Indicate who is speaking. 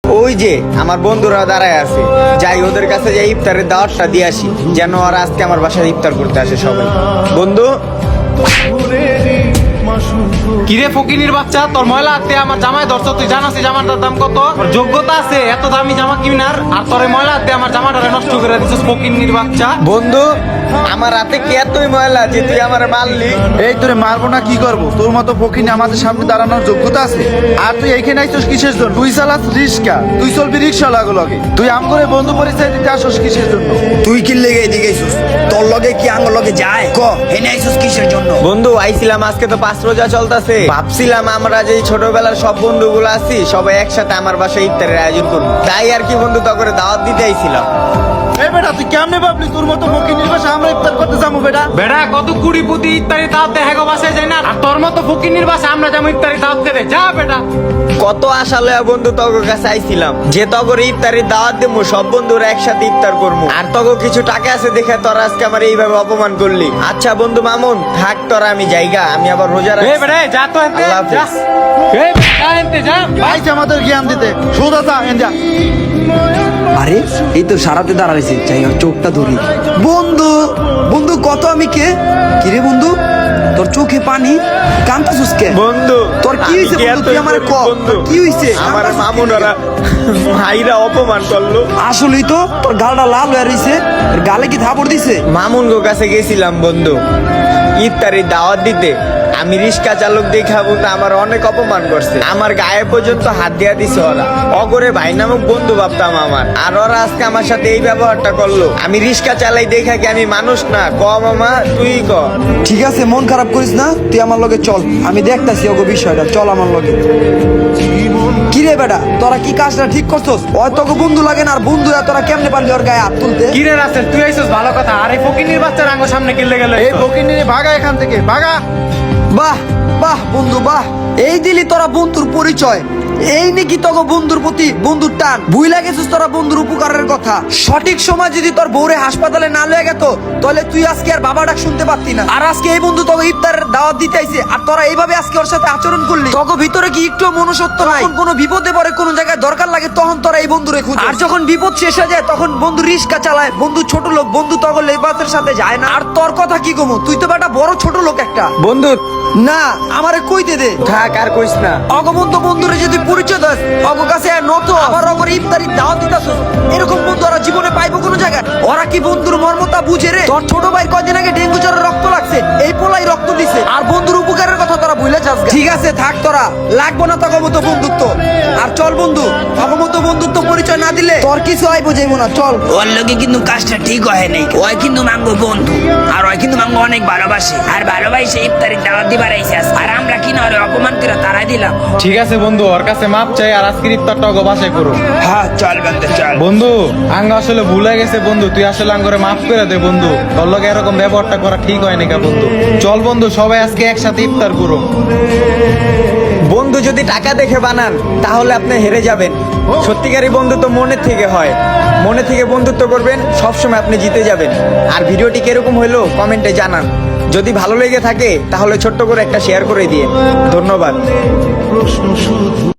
Speaker 1: ওই যে আমার বন্ধুরা দাঁড়ায় আছে, যাই ওদের কাছে যাই ইফতারের দাওয়াতটা দিয়ে আসি, যেন ওরা আজকে আমার বাসায় ইফতার করতে আসে সবাই। বন্ধু,
Speaker 2: কিরে ফকিনির বাচ্চা, তোর ময়লা হাতে আমার জামাই ধরছ, তুই জানাস জামাটার দাম কত? তোর যোগ্যতা আছে এত দামি জামা কিনার, আর তোর এই ময়লা হাতে আমার জামাটা নষ্ট করে দিছিস ফকিনির বাচ্চা।
Speaker 1: বন্ধু, আমার রাতে কি এতই ময়লা যে তুই আমার মারলি?
Speaker 3: এই তোরে মারবো না কি করবো? তোর মতো ফকিনি আমাদের সামনে দাঁড়ানোর যোগ্যতা আছে? আর তুই এইখানে আইছস কিসের জন্য? তুই চালাস রিক্সা, তুই চলবি রিক্সা লগে। তুই আম করে বন্ধু পরিচয় দিতে আসস কিসের জন্য?
Speaker 4: তুই কি লেগে এদিকে আইসুস? তোর লগে কি আঙ্গ লগে যায়? ক হেনে আইসুস কিসের জন্য?
Speaker 1: বন্ধু, আইছিলাম আজকে তো 5 রোজা চলতেছে, ভাবছিলাম আমরা যে ছোটবেলার সব বন্ধুগুলো আছি সবাই একসাথে আমার বাসায় ইফতারের আয়োজন করবো, তাই আর কি বন্ধু তো করে দাওয়াত দিতে আইছিলাম।
Speaker 3: এই বেটা তুই কেমনে ভাবলি তোর মতো ফকিনির বাসায় আমরা ইফতার করতে যাবো? বেটা
Speaker 2: বেড়া কত কুড়ি পুতি ইত্যাদি দাওয়াত দেয় হেগো বাসায় যায় না, আর তোর মতো ফকিনির বাসায় আমরা যেমন ইত্যাদি দাওয়াত দেয় যা বেটা।
Speaker 1: কত আশা লয়া বন্ধু তগর কাছে আইছিলাম যে তগর ইফতারের দাওয়াত দেবো, সব বন্ধুরা একসাথে ইফতার করবো, আর তগর কিছু টাকা আছে দেখে তোরা আজকে আমার এইভাবে অপমান করলি। আচ্ছা বন্ধু মামুন, থাক তোরা, আমি জায়গা, আমি আবার রোজা
Speaker 2: এই
Speaker 1: রাখছি।
Speaker 2: বেড়া যা তো এনতে
Speaker 1: আল্লাহ
Speaker 2: যা,
Speaker 1: হাফেজ।
Speaker 2: এই বেড়া এনতে যা।
Speaker 3: আইছে আমাদের জ্ঞান দিতে, সোজা যা এনজা।
Speaker 4: আরে এই তো সারাতে দাঁড়াইছে, চাই ওর চোখটা ধরি। বন্ধু বন্ধু কত আমি কে? কিরে বন্ধু, তোর চোখে পানি, কান্তাছুস কে?
Speaker 1: বন্ধু,
Speaker 4: তোর কি হইছে
Speaker 1: আমি
Speaker 4: বন্ধু? তুই
Speaker 1: এতই
Speaker 4: আমারে ক,
Speaker 1: গরিব বন্ধু।
Speaker 4: কি হইছে?
Speaker 1: আমার
Speaker 4: কান্তাছুস
Speaker 1: মামুন
Speaker 4: কে?
Speaker 1: ওরা ভাইরা অপমান করলো।
Speaker 4: আসলেই তো তোর গালটা লাল হয়ে রইছে, তোর গালে কি থাপড় দিছে?
Speaker 1: মামুন গো কাছে গেছিলাম বন্ধু ইফতারের দাওয়াত দিতে, আমি রিক্সা চালক দেখাবো তো আমার অনেক অপমান করছে, আমার গায়ে পর্যন্ত হাত দিয়া দিছে ওরা। অগরে ভাই নামক বন্ধু ভাবতাম আমার, আর ওরা আজকে আমার সাথে এই ব্যবহারটা করলো। আমি রিক্সা চালাই দেখা কি আমি মানুষ না? ক মামা, তুই ক।
Speaker 4: ঠিক আছে, মন খারাপ করিস না, তুই আমার লগে চল, আমি দেখতাছি ওগো বিষয়টা, চল আমার লগে। কিরে বেটা, তোরা কি কাজটা ঠিক করছস? ওই তোকে বন্ধু লাগে না, আর বন্ধুরা তোরা কেমনে পারলি ওর গায়ে হাত তুলতে?
Speaker 2: কিরে রাসেল, তুই আইছিস ভালো কথা, আর এই ফকিনির বাচ্চার আঙ্গ সামনে কিনলে গেল।
Speaker 3: এই ফকিনিরে ভাগা এখান থেকে, ভাগা।
Speaker 4: বাহ বাহ বন্ধু বাহ, এই দিলি তোরা বন্ধুর পরিচয়, এই নাকি তোকে বন্ধুর প্রতি বন্ধুর টান। ভুইলা গেছিস তোরা বন্ধুর উপকারের কথা। সঠিক সময় যদি তোর বউরে হাসপাতালে না লয়ে গেত, তাহলে তুই আজকে আর বাবা ডাক শুনতে পারতি না। আর আজকে এই বন্ধু তোকে ইফতারের দাওয়াত দিতে আইছে, আর তোরা এইভাবে আজকে ওর সাথে আচরণ করলি। তোকে ভিতরে কি একটু মনুষ্যত্ব নাই? যখন কোনো বিপদে পড়ে, কোনো জায়গায় দরকার লাগে, তখন তোরা এই বন্ধুরে খুঁজে, আর যখন বিপদ শেষ হয়ে যায় তখন বন্ধু রিস্কা চালায়, বন্ধু ছোট লোক, বন্ধু তখন লেবাসের সাথে যায় না। আর তোর কথা কি কমু, তুই তো বেটা বড় ছোট লোক একটা।
Speaker 1: বন্ধু
Speaker 4: না, আমারে কইতে দে।
Speaker 1: থাক, আর কইস না।
Speaker 4: অগবন্ধু বন্ধুরে যদি পরিচয় দাস, অগ কাছে আর নত আবার অগর ইফতারি দাওয়াত দিতাছ, এরকম বন্ধু ওরা জীবনে পাইবো কোন জায়গায়? ওরা কি বন্ধুর মর্মতা বুঝে রে? তোর ছোট ভাই কয়দিন আগে ডেঙ্গু জ্বরে রক্ত লাগছে, এই পোলাই রক্ত দিছে, আর বন্ধুর উপকারের কথা তোরা ভুলে যাস। ঠিক আছে থাক, তোরা লাগবো না তখন মতো বন্ধুত্ব। আর চল বন্ধু, তখন মতো বন্ধুত্ব পরিচয় না দিলে তোর কিছু আইবো যাইবো না, চল।
Speaker 5: ওর লোকে কিন্তু কাজটা ঠিক হয় নাই, ওই কিন্তু মাঙ্গো বন্ধু, আর ওই কিন্তু মাঙ্গো অনেক ভালোবাসে, আর ভালোবাসে ইফতারের দাওয়াত দিবার আইছে, আর আমরা কিনা ওরে অপমান করে তারাই দিলাম।
Speaker 2: ঠিক আছে বন্ধু, ওর কাছে মাপ চাই, আর আজকের ইফতারটা ওগো বাসায় করো।
Speaker 5: হ্যাঁ চল বন্ধু চল।
Speaker 2: বন্ধু আঙ্গ আসলে ভুলে গেছে বন্ধু, তুই আসলে আঙ্গরে মাফ করে দে বন্ধু, তোর লগে এরকম ব্যবহারটা করা ঠিক হয় নাকি বন্ধু। চল বন্ধু, সবাই আজকে একসাথে ইফতার করো।
Speaker 1: বন্ধু যদি টাকা দেখে বানান তাহলে আপনি হেরে যাবেন। সত্যিকারী বন্ধুত্ব মনের থেকে হয়, মনে থেকে বন্ধুত্ব করবেন, সবসময় আপনি জিতে যাবেন। আর ভিডিওটি কিরকম হলো কমেন্টে জানান। যদি ভালো লেগে থাকে তাহলে ছোট্ট করে একটা শেয়ার করে দিয়ে ধন্যবাদ।